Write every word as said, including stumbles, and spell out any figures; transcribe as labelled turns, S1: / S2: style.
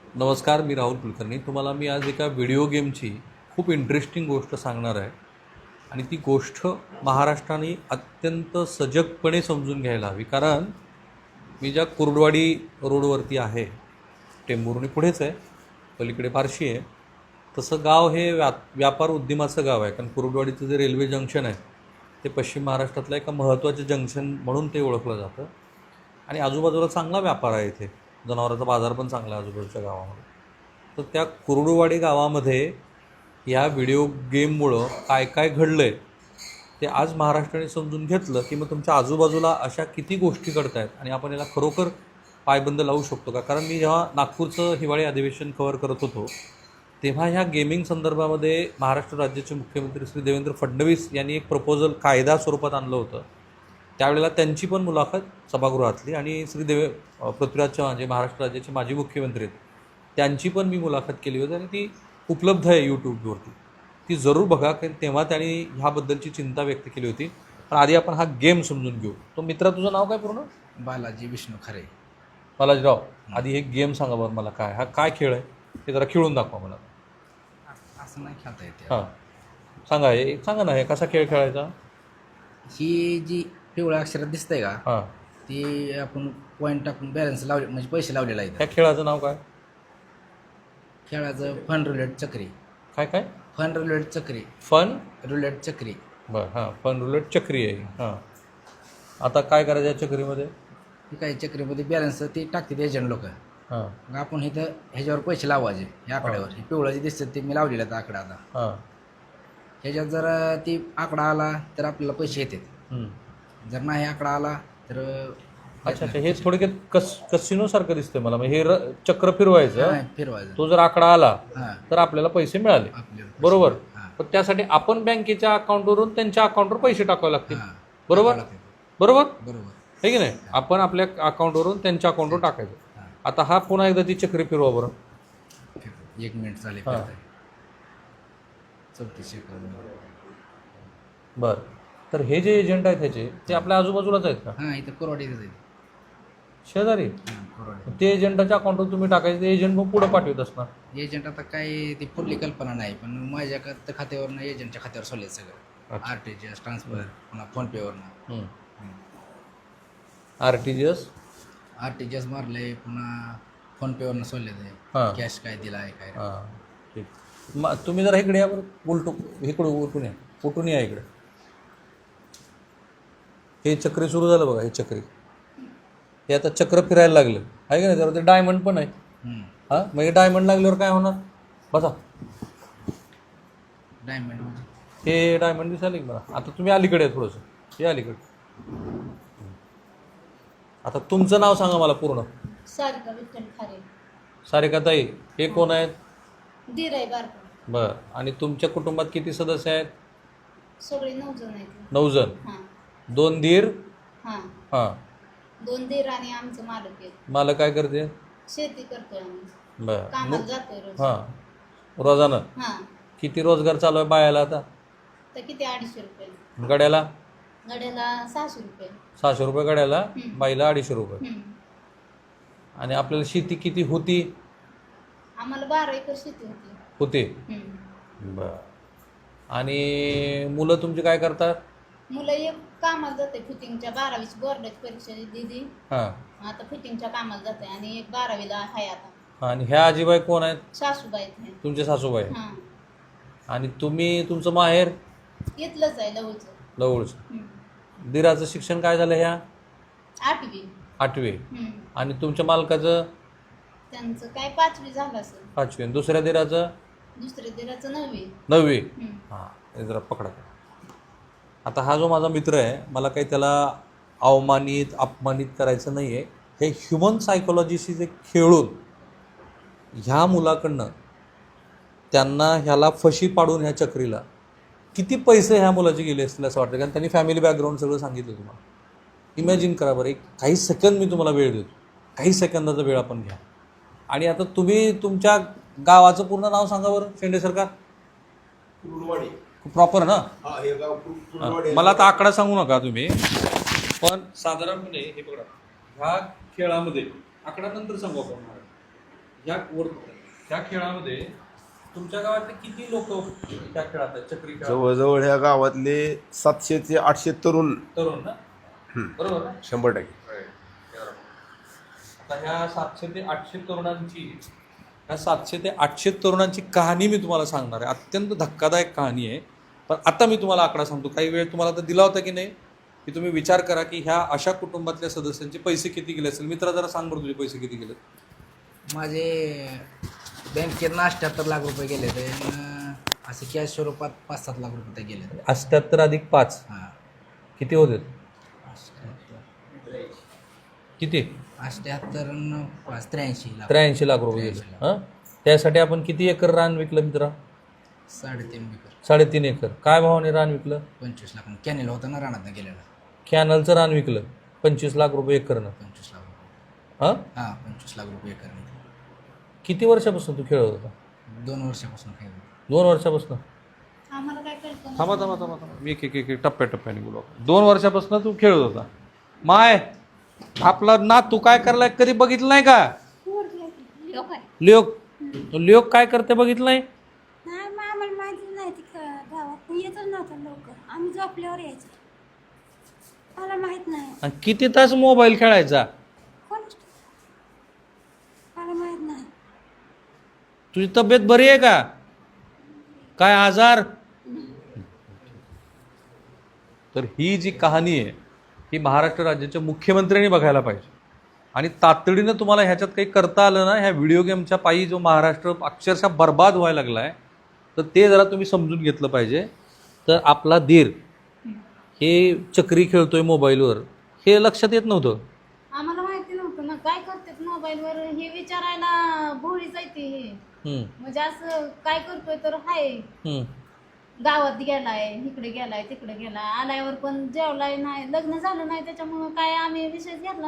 S1: नमस्कार, मी राहुल कुलकर्णी. तुम्हाला मी आज एका व्हिडिओ गेमची खूप इंटरेस्टिंग गोष्ट सांगणार आहे आणि ती गोष्ट महाराष्ट्राने अत्यंत सजगपणे समजून घ्यायला हवी. कारण मी ज्या कुर्डवाडी रोडवरती आहे, टेंभुर्णी पुढेच आहे, पलीकडे फारशी आहे, तसं गाव हे व्या व्यापार उद्यमाचं गाव आहे. कारण कुर्डवाडीचं जे रेल्वे जंक्शन आहे ते पश्चिम महाराष्ट्रातलं एका महत्त्वाचं जंक्शन म्हणून ते ओळखलं जातं आणि आजूबाजूला चांगला व्यापार आहे. इथे जनावरांचा बाजार पण चांगला आहे आजूबाजूच्या गावामध्ये. तर त्या कुर्डुवाडी गावामध्ये या व्हिडिओ गेममुळं काय काय घडलं आहे ते आज महाराष्ट्राने समजून घेतलं की मग तुमच्या आजूबाजूला अशा किती गोष्टी घडत आहेत आणि आपण याला खरोखर पायबंद लावू शकतो का. कारण मी जेव्हा नागपूरचं हिवाळी अधिवेशन कव्हर करत होतो तेव्हा ह्या गेमिंग संदर्भामध्ये महाराष्ट्र राज्याचे मुख्यमंत्री श्री देवेंद्र फडणवीस यांनी एक प्रपोजल कायदा स्वरूपात आणलं होतं. त्यावेळेला त्यांची पण मुलाखत सभागृहातली आणि श्री देवे पृथ्वीराज चव्हाण जे महाराष्ट्र राज्याचे माजी मुख्यमंत्री आहेत त्यांची पण मी मुलाखत केली होती आणि ती उपलब्ध आहे यूट्यूबवरती. ती जरूर बघा, कारण तेव्हा त्यांनी ह्याबद्दलची चिंता व्यक्त केली होती. पण आधी आपण हा गेम समजून घेऊ. तो मित्रा, तुझं नाव काय पूर्ण?
S2: बालाजी विष्णू खरे.
S1: बालाजीराव, आधी हे गेम सांगा बरं मला, काय हा काय खेळ आहे ते जरा खेळून दाखवा मला.
S2: असं नाही खेळता येते.
S1: हां सांगा, हे सांगा ना, हे कसा खेळ खेळायचा.
S2: ही जी पिवळ्या अक्षरात दिसतंय का,
S1: हां,
S2: ती आपण पॉईंट टाकून बॅलन्स लावले म्हणजे पैसे लावलेला आहे.
S1: ह्या खेळाचं नाव काय?
S2: खेळाचं फन रुलेट चक्री.
S1: काय काय?
S2: फन रुलेट चक्री.
S1: फन
S2: रुलेट चक्री.
S1: बरं, हां, फन रुलेट चक्री आहे. हां, आता काय करायचं या चक्रीमध्ये?
S2: ही काही चक्रीमध्ये बॅलन्स ती टाकतात एजंट लोक.
S1: हां
S2: मग आपण इथं ह्याच्यावर पैसे लावायचे. ह्या आकड्यावर हे पिवळं जे दिसतं ते मी लावलेलं आहे आकडा. आता
S1: हां
S2: ह्याच्यात जर ती आकडा आला तर आपल्याला पैसे येतात.
S1: हं.
S2: जर नाही आकडा आला तर
S1: अच्छा अच्छा, हे थोडक्यात कस कसिनोसारखं दिसतंय मला. म्हणजे हे र चक्र फिरवायचं,
S2: नाही फिरवायचं.
S1: तो जर आकडा आला
S2: हां,
S1: तर आपल्याला पैसे मिळाले,
S2: आपल्याला पैसे.
S1: बरोबर.
S2: हां,
S1: पण त्यासाठी आपण बँकेच्या अकाउंटवरून त्यांच्या अकाउंटवर पैसे टाकावे लागतील,
S2: हां.
S1: बरोबर
S2: टाकावं लागतं.
S1: बरोबर
S2: बरोबर.
S1: आहे की नाही. आपण आपल्या अकाउंटवरून त्यांच्या अकाउंटवर टाकायचं.
S2: हां.
S1: आता हा पुन्हा एकदा ती चक्री फिरवा बरं.
S2: एक मिनिट चालेल.
S1: हां.
S2: चौतीसशे करून.
S1: बरं, तर हे जे एजंट आहेत ह्याचे ते आपल्या आजूबाजूलाच आहेत का?
S2: हां, इथं कोरवाडीतच आहे.
S1: शेजारी?
S2: हां, कोरवाडी.
S1: ते एजंटाच्या अकाउंटवर तुम्ही टाकायचं, ते एजंट मग पुढं पाठवत असणार.
S2: एजंट आता काय ती पुढली कल्पना नाही, पण माझ्या खात खात्यावरनं एजंटच्या खात्यावर सोडले सगळं.
S1: अच्छा.
S2: R T G S transfer, पुन्हा फोनपेवरनं.
S1: हं. R T G S
S2: R T G S मारले, पुन्हा फोनपेवरनं सोडले ते.
S1: हां
S2: कॅश काय दिला आहे काय.
S1: हां ठीक. मग तुम्ही जरा इकडे या बरं, उलटू इकडं उलटून या, उलटून या इकडे. हे चक्री सुरू झालं बघा, हे चक्री हे आता चक्र फिरायला लागलं आहे का नाही. त्यावर ते डायमंड पण आहे.
S2: हं.
S1: हां, मग हे डायमंड लागल्यावर काय होणार? बसा,
S2: डायमंड म्हणजे
S1: हे डायमंड दिसायला की मला. आता तुम्ही अलीकडे आहे थोडंसं, हे अलीकडे. आता तुमचं नाव सांगा मला पूर्ण.
S3: सारिका विठ्ठल खारे.
S1: सारिकाताई, हे कोण आहेत?
S3: दीर आहे बारका.
S1: बरं, आणि तुमच्या कुटुंबात किती सदस्य आहेत?
S3: सगळे नऊ जण आहेत.
S1: नऊ जण.
S3: हां
S1: दोन दीर.
S3: हां
S1: हां,
S3: दोन दीर आणि आमचं मालक आहेत.
S1: मला काय करते?
S3: शेती करतोय आम्ही.
S1: बरं.
S3: कामाला जातोय रोज.
S1: हां, रोजानं
S3: हां,
S1: किती रोजगार चालू आहे बायाला आता?
S3: तर किती अडीचशे रुपये
S1: गड्याला?
S3: गड्याला सहाशे रुपये.
S1: सहाशे रुपये गड्याला,
S3: हं.
S1: बाईला अडीचशे रुपये.
S3: हं.
S1: आणि आपल्याला शेती किती होती?
S3: आम्हाला बारा एकर शेती होती.
S1: होते.
S3: हं.
S1: बरं. आणि मुलं तुमची काय करतात?
S3: मुलं एक कामाला जाते फिटिंगच्या, बारावीची बोर्डाची परीक्षा दिली,
S1: हां
S3: आता फिटिंगच्या कामाला जाते. आणि एक बारावीला आहे आता.
S1: आणि ह्या आजीबाई कोण आहेत?
S3: सासूबाई आहेत.
S1: तुमचे सासूबाई.
S3: हां,
S1: आणि तुम्ही, तुमचं माहेर?
S3: इथलंच आहे लवचं.
S1: जवळचं.
S3: हं.
S1: दिराचं शिक्षण काय झालं ह्या?
S3: आठवी.
S1: आठवे.
S3: हं.
S1: आणि तुमच्या मालकाचं?
S3: त्यांचं काय पाचवी झालं असेल.
S1: पाचवे. आणि दुसऱ्या दिराचं?
S3: दुसऱ्या दिराचं नववी.
S1: नववे.
S3: हं.
S1: हां, हे जरा पकडा. आता हा जो माझा मित्र आहे, मला काही त्याला अवमानित अपमानित करायचं नाही आहे. हे ह्युमन सायकोलॉजीशी जे खेळून ह्या मुलाकडनं त्यांना ह्याला फशी पाडून ह्या चक्रीला किती पैसे ह्या मुलाचे गेले असतील असं वाटतं. कारण त्यांनी फॅमिली बॅकग्राऊंड सगळं सांगितलं तुम्हाला. इमॅजिन करा बरं, एक काही सेकंद मी तुम्हाला वेळ देतो, काही सेकंदाचा वेळ आपण घ्या. आणि आता तुम्ही तुमच्या गावाचं पूर्ण नाव सांगा बरं, शेंडे सरकार.
S4: कुर्डवाडी.
S1: प्रॉपर ना?
S4: हा, हे गाव कुर- कुर्डवाडी.
S1: मला आता आकडा सांगू नका तुम्ही, पण साधारणपणे हे बघा, ह्या खेळामध्ये आकडा नंतर सांगू आपण. या वर त्या खेळामध्ये तुमच्या गावातले किती लोक त्या खेळात आहेत चक्री खेळात
S4: जवळजवळ ह्या गावातले सातशे ते आठशे तरुण
S1: तरुण ना
S4: हम्म.
S1: बरोबर ना
S4: शंभर टक्के
S1: आता ह्या सातशे ते आठशे तरुणांची ह्या सातशे ते आठशे तरुणांची कहाणी मी तुम्हाला सांगणार आहे. अत्यंत धक्कादायक कहाणी आहे. पण आता मी तुम्हाला आकडा सांगतो. काही वेळ तुम्हाला तर दिला होता की नाही की तुम्ही विचार करा की ह्या अशा कुटुंबातल्या सदस्यांचे पैसे किती गेले असेल. मित्रा जरा सांग बरं तुझे पैसे किती गेले.
S2: माझे बँकेतनं अठ्ठ्याहत्तर लाख रुपये गेले ते असे कॅश स्वरूपात पाच सात लाख रुपये गेले.
S1: अठ्ठ्याहत्तर अधिक पाच
S2: हां
S1: किती होते
S2: अठ्ठ्याहत्तर
S1: किती
S2: अठ्ठ्याहत्तर न पाच त्र्याऐंशी लाख
S1: त्र्याऐंशी लाख रुपये गेले. हां त्यासाठी आपण किती एकर रान विकलं मित्रा.
S2: साडेतीन एकर
S1: साडेतीन एकर. काय भावाने रान विकलं.
S2: पंचवीस लाख कॅनेल होता ना रानातनं गेलेला.
S1: कॅनलचं रान विकलं पंचवीस लाख रुपये एकरनं.
S2: पंचवीस लाख रुपये
S1: हां
S2: हां पंचवीस लाख रुपये एकर
S1: किती वर्षापासून तू खेळत होता.
S2: दोन वर्षापासून काही
S1: दोन वर्षापासून.
S3: आम्हाला काय कळतं
S1: थांबा थांबा थांबा थांबा मी एक एक एक एक टप्प्याटप्प्याने बोलू. दोन वर्षापासून तू खेळत होता. माय आपला ना तू काय करलाय कधी बघितलं नाही का.
S3: लोक आहे
S1: लोक लोक काय करते बघितलं नाही.
S5: नाही मग आम्हाला माहिती नाही ती गावात येतच नव्हतं लवकर. आम्ही झोपल्यावर यायचो. मला माहित नाही
S1: आणि किती तास मोबाईल खेळायचा.
S5: कोण मला माहित नाही.
S1: तुझी तब्येत बरी आहे का. काय आजार. तर ही जी कहाणी आहे ही महाराष्ट्र राज्याच्या मुख्यमंत्र्यांनी बघायला पाहिजे आणि तातडीनं तुम्हाला ह्याच्यात काही करता आलं ना. ह्या व्हिडिओ गेमच्या पायी जो महाराष्ट्र अक्षरशः बर्बाद व्हायला लागला आहे तर ते जरा तुम्ही समजून घेतलं पाहिजे. तर आपला धीर हे चक्री खेळतोय मोबाईलवर हे लक्षात येत नव्हतं.
S3: आम्हाला माहिती नव्हतं ना काय करतात मोबाईलवर हे विचारायला भोळीच आहे ती हे
S1: हम्म,
S3: म्हणजे असं काय करतोय तर हाय
S1: हम्म.
S3: गावात गेलाय इकडे गेलाय तिकडे गेलाय आल्यावर पण जेवलाय नाही लग्न झालं नाही त्याच्यामुळं काय आम्ही विषय घेतला